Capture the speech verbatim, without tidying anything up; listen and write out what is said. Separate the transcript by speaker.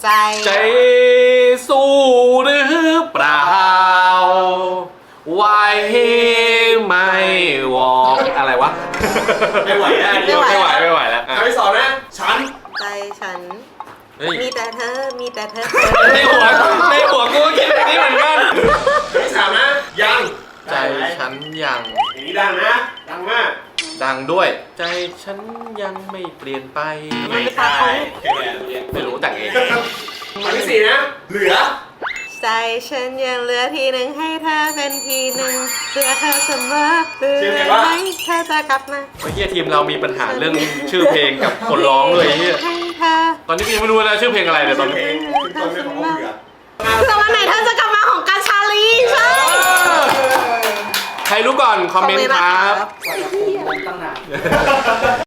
Speaker 1: ใจ
Speaker 2: ใจสู้หรือเปล่าไหวไม่วอกอะไรวะ
Speaker 3: ไม่ไหวนะ
Speaker 2: ไม่ไหวไม่ไหวแล้ว
Speaker 3: คำที่สองนะฉัน
Speaker 1: ใจฉัน
Speaker 2: เฮ้ย
Speaker 1: มีแต่เธอมีแต่เธอ
Speaker 2: ในหัวในหัวกูก็คิดแบบนี้เหมือนกัน
Speaker 3: คำที่สามนะยัง
Speaker 2: ใจฉันยัง
Speaker 3: อย่างนี้ดังนะดังมาก
Speaker 2: ดังด้วย ใจฉันยังไม่เปลี่ยนไป
Speaker 1: มันเป็นตาเขา
Speaker 2: ไม่รู้แต่งเอง
Speaker 3: คำที่สี่นะเหลือ
Speaker 1: ใจฉันยังเหลือทีหนึ่งให้เธอเป็นทีหนึ่งเพื่อเธอเสมอเพื่อให้เธอจะกลับมา
Speaker 2: เมื่อกี้ทีมเรามีปัญหาเรื่องชื่อเพลงกับคนร้องเลยเฮีย
Speaker 1: ให้เธอ
Speaker 2: ตอนนี้กูยังไม่รู้เลยชื่อเพลงอะไรเลยตอนนี้
Speaker 3: เพลงคือต้นเรื่องของเหลือ
Speaker 1: แต่วันไหนเธอจะกลับมาของกาชาลีใช่
Speaker 2: ใครรู้ก่อนคอมเมนต์ครับ
Speaker 4: ตั้งนาน